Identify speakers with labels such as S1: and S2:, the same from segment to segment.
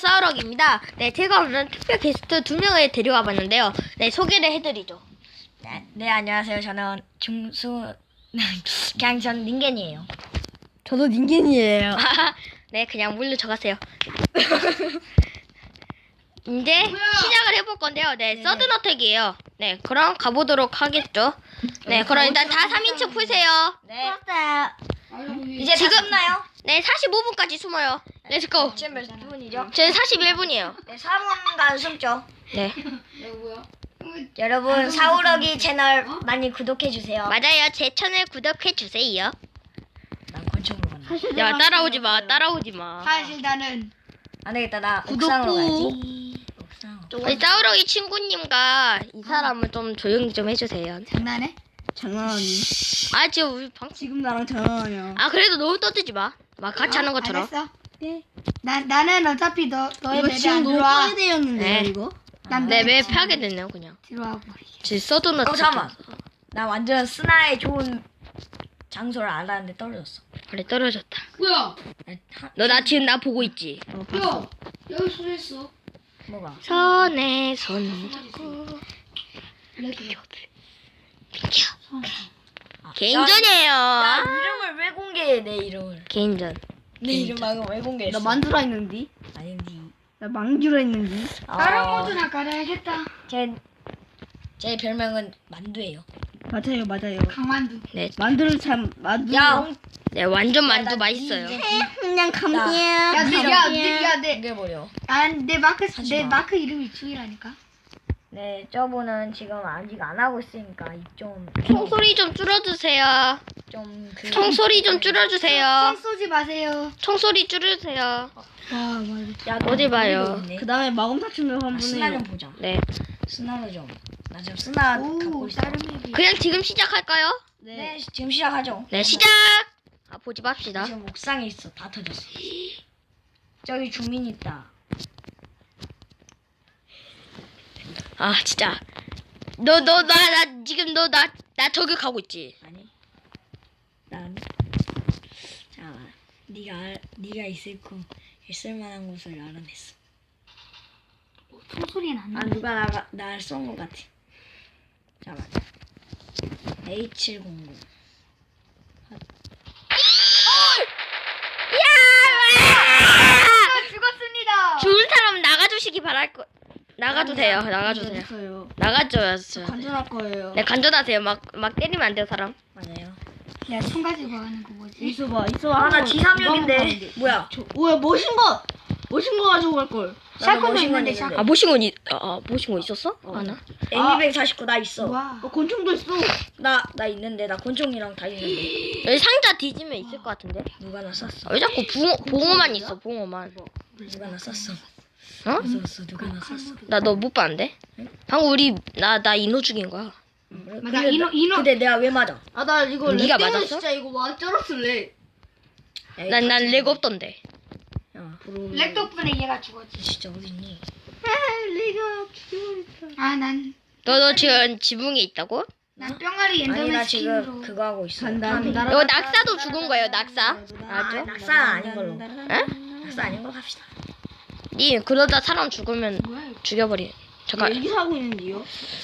S1: 싸우럭입니다. 네, 제가 오늘 특별 게스트 2명을 데려와 봤는데요. 네, 소개를 해드리죠.
S2: 네, 안녕하세요. 저는 그냥 전 닌겐이에요.
S3: 저도 닌겐이에요.
S1: 네, 그냥 물르쳐 가세요. 이제 시작을 해볼 건데요. 네, 서든어택이에요. 네, 그럼 가보도록 하겠죠. 네, 그럼 일단 다 3인칭 풀세요.
S2: 네.
S3: 이제
S2: 이제 지금 나요?
S1: 네, 45분까지 숨어요. 렛츠고.
S2: 지금 몇 분이죠?
S1: 저는 41분이에요.
S2: 네, 4분간 숨죠.
S1: 네,
S2: 여러분, 사우러기 채널 많이 구독해 주세요.
S1: 맞아요. 제 채널 구독해주세요.
S2: 난 권총으로 간다.
S1: 야, 따라오지 마, 따라오지 마.
S3: 사실 나는
S2: 안 되겠다. 나 옥상으로 가야지. 옥상으로.
S1: 우리 싸우러기 친구님과 이 사람은 좀 조용히 좀 해주세요.
S3: 장난해? 장난하니?
S1: 아, 지금 우리 방...
S3: 지금 나랑 장난하냐?
S1: 아, 그래도 너무 떠들지 마. 막 같이 하는 것처럼.
S3: 알았어. 네. 나는 어차피 너의
S4: 이거
S3: 맵에
S4: 지금
S3: 안
S4: 너무
S3: 들어와.
S4: 파괴되었는데요,
S1: 네.
S4: 이거?
S3: 난
S1: 네, 매
S3: 너의
S1: 하게 됐네요, 그냥.
S3: 들어와 버리게.
S1: 지금 서든어택.
S2: 잠깐만. 나 완전 스나의 좋은 장소를 알았는데 떨어졌어.
S1: 그래, 떨어졌다.
S5: 뭐야?
S1: 너 나 지금 나 보고 있지?
S5: 야, 여기 소리했어.
S2: 뭐가?
S1: 손에 손 잡고 비켜. 개인전이에요.
S2: 야, 이름을 왜 공개해? 내 이름을.
S1: 개인전.
S2: 내 이름 말고 왜 공개했어?
S4: 나 만두라 했는디?
S2: 아닌디.
S4: 나 망주라 했는디?
S3: 다른 모드나 깔아야겠다.
S2: 제 별명은 만두예요.
S4: 맞아요.
S3: 강만두.
S1: 네,
S4: 만두를 참, 만두.
S2: 야,
S1: 네 완전 만두
S2: 나
S1: 맛있어요.
S4: 그냥 감이야.
S2: 내 버려.
S3: 내
S2: 하지
S3: 내
S2: 마.
S3: 마크 이름이 주희라니까.
S2: 네, 저분은 지금 아직 안 하고 있으니까 좀
S1: 총소리 좀 줄여주세요.
S2: 그
S1: 총소리 좀 줄여주세요.
S3: 총 쏘지 마세요.
S1: 총소리 줄여주세요.
S4: 와, 맞아.
S2: 야,
S1: 어디 봐요?
S4: 그 다음에 마검사춘을
S2: 아,
S4: 한번
S2: 스나 좀
S4: 해요.
S2: 보자.
S1: 네,
S2: 스나로 좀. 나 지금 스나 갖고
S3: 오,
S2: 있어.
S3: 다른 맵이.
S1: 그냥 지금 시작할까요?
S2: 네, 지금 시작하죠.
S1: 네, 시작. 아, 보지 맙시다.
S2: 지금 옥상에 있어. 다 터졌어. 저기 주민 있다.
S1: 아, 진짜. 나 지금 나 저격하고 있지.
S2: 아니. 자, 네가 있을 만한 곳을 알아냈어.
S3: 총소리 안
S2: 아,
S3: 나.
S2: 누가 날 쏜 것 같아. 잠깐만. A700.
S3: 죽었습니다.
S1: 죽은 사람 나가주시기 바랄 거. 나가도 돼요. 나가주세요.
S4: 됐어요.
S1: 나가줘야죠.
S4: 간전할 거예요.
S1: 네, 간전하세요. 막 때리면 안 돼요, 사람.
S2: 맞아요.
S3: 야, 총 가지고 하는 거 뭐지?
S4: 있어봐.
S2: 아, 나
S4: 한번
S2: G36인데. 뭐야?
S4: 뭐야, 멋진 거 가지고 갈 걸.
S3: 샷건도
S2: 머신건
S3: 있는데
S2: 있는데.
S3: 샷건.
S1: 모신거 있었어? 하나?
S2: M249 나 있어.
S3: 와.
S4: 권총도 있어.
S2: 나 있는데. 나 권총이랑 다 있는데.
S1: 여기 상자 뒤지면 있을 것 같은데?
S2: 누가 나 쐈어?
S1: 왜 자꾸 봉어만 있어, 봉어만.
S2: 누가 나 쐈어?
S1: 어?
S2: 누가 나 쐈어?
S1: 나 너 못 봤는데? 방금 나 인호 죽인 거야.
S3: 맞아, 인호.
S2: 근데 내가 왜 맞아?
S4: 아, 나 이거
S1: 네가
S4: 렉 때문에
S1: 맞았어?
S4: 진짜 이거 와 쩔었을래.
S1: 난 렉 없던데.
S2: 야,
S3: 렉 덕분에 얘가 죽었지.
S2: 진짜 어딨니?
S4: 내가 죽여버렸다.
S3: 아, 난
S1: 너 지금 지붕에 있다고?
S3: 뿅아리
S2: 아니,
S3: 엔더맨
S2: 나
S3: 스킨으로.
S2: 지금 그거 하고 있어.
S4: 간다.
S2: 파밍.
S1: 이거 낙사도 죽은 거예요, 낙사.
S2: 아,
S1: 알죠?
S2: 낙사 아닌 걸로.
S1: 에?
S2: 낙사 아닌 걸로 합시다.
S1: 니 그러다 사람 죽으면
S3: 뭐야 이거?
S1: 죽여버리. 잠깐,
S4: 여기서 하고 있는데요?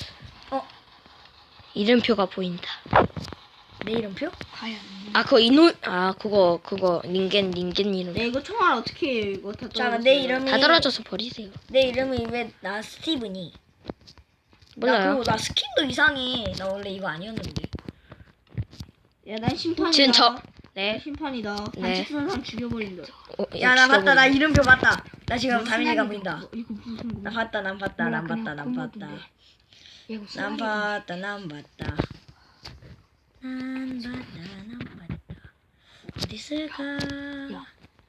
S1: 이름표가 보인다.
S2: 내 이름표?
S3: 과연.
S1: 아, 그거 그거 닌겐 이름.
S4: 네, 이거 총알 어떻게 해요? 이거 다
S2: 잠깐,
S4: 떨어졌어요.
S2: 내 이름이
S1: 다 떨어져서 버리세요.
S2: 내 이름이 왜 나 스티브니? 나
S1: 몰라요.
S2: 그리고 나 스킨도 이상해. 나 원래 이거 아니었는데.
S4: 야, 난 심판이다.
S1: 지금 난
S4: 네. 심판이다.
S1: 네.
S4: 반칙 쓰는 사람 죽여버린다.
S2: 야, 나 봤다. 나
S1: 죽여버리-
S2: 이름표 봤다. 나 지금 다민이가 보인다.
S4: 이거 무슨
S2: 나 봤다. 난 봤다. 난 봤다. 난 봤다.
S3: 얘가
S2: 난
S3: 쓰라리다.
S2: 봤다. 난 봤다. 난 봤다. 어디 있을까?
S3: 야.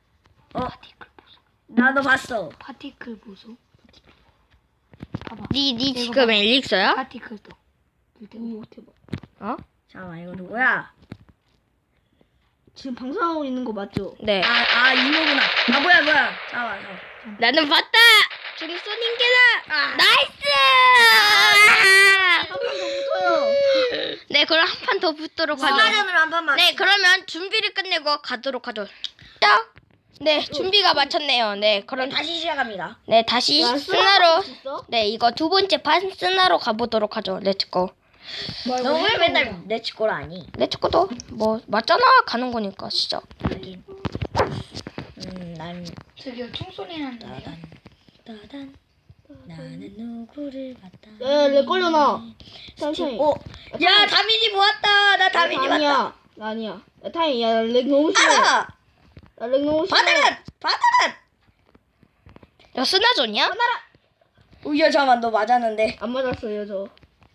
S2: 나도 봤어.
S3: 파티클 보소. 봐봐.
S1: 니 지금 엘릭서야?
S3: 파티클도.
S4: 오, 대박.
S1: 어?
S2: 잠깐만, 이거 누구야?
S4: 지금 방송하고 있는 거 맞죠?
S1: 네.
S2: 이모구나. 뭐야. 잠깐만.
S1: 나는 봤다. 저기 쏘닌게다. 나이스.
S4: 한번더 붙어요.
S1: 네, 그럼 한 판 더 붙도록 하죠.
S2: 스나전으로 한 번만.
S1: 네, 그러면 준비를 끝내고 가도록 하죠. 시작. 네, 준비가 마쳤네요. 네, 그럼
S2: 다시 시작합니다.
S1: 네, 다시
S4: 야,
S1: 스나로
S4: 있어?
S1: 네, 이거 두 번째 판 스나로 가보도록 하죠. 렛츠고.
S2: 너 왜 맨날 내 친구를 아니?
S1: 렛츠고도 뭐 맞잖아. 가는 거니까 진짜.
S2: 하긴. 난
S3: 저기요 총소리 난다.
S2: 따단 나는 누구를 봤다.
S4: 야, 렉 걸려나. 천천히.
S2: 야 다민이 모았다. 나 다민이 봤다.
S4: 아니야. 나 아니야. 야, 타임, 야, 렉 너무 심해.
S2: 아!
S4: 나 렉 너무 심해.
S2: 바다란.
S1: 야, 스나존이야?
S2: 우야 잠만 너 맞았는데.
S4: 안 맞았어요, 저.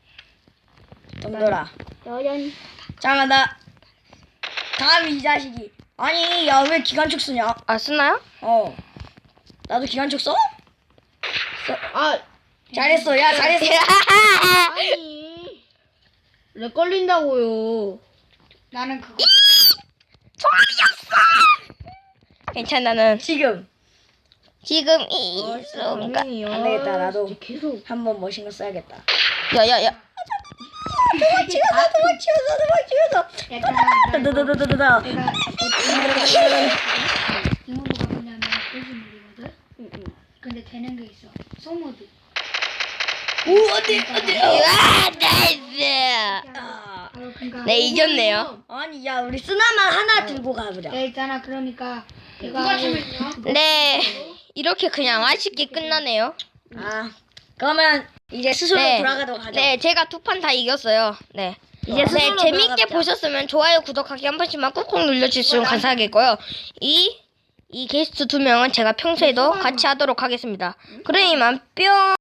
S2: 덤돌아.
S4: 여연.
S2: 잠깐 나 다음 이 자식이. 아니 야 왜 기관총 쓰냐?
S1: 아, 스나야?
S2: 나도 기관총 써?
S4: 아,
S2: 잘했어. 야 잘했어.
S4: 아니. 렉 걸린다고요.
S3: 나는 그거
S1: 괜찮아, 나는
S2: 지금
S1: 지금 이 순간.
S4: 당연히요.
S2: 안 되겠다, 나도.
S4: 진짜 계속.
S2: 한번 멋진 거 써야겠다.
S1: 야야야.
S2: 도망치면서.
S3: 약간
S2: 다다다다다다.
S3: 내가 이모드가 뭐냐면 고지물이거든. 근데 되는 게 있어. 소모드.
S2: 오 안돼.
S1: 와, 나이스.
S3: 바로 그니까.
S1: 네, 이겼네요.
S2: 아니 야 우리 쓰나만 하나 들고 가보자.
S3: 야 있잖아. 그러니까 내가
S1: 네, 이렇게 그냥 아쉽게 끝나네요.
S2: 아 그러면 이제 스스로
S1: 네,
S2: 돌아가도록 하죠.
S1: 네, 제가 두 판 다 이겼어요. 네.
S2: 이제 스스로
S1: 네, 재밌게
S2: 돌아갑시다.
S1: 보셨으면 좋아요, 구독하기 한 번씩만 꾹꾹 눌러주시면 감사하겠고요. 이 게스트 두 명은 제가 평소에도 같이 하도록 하겠습니다. 그럼 이만 뿅.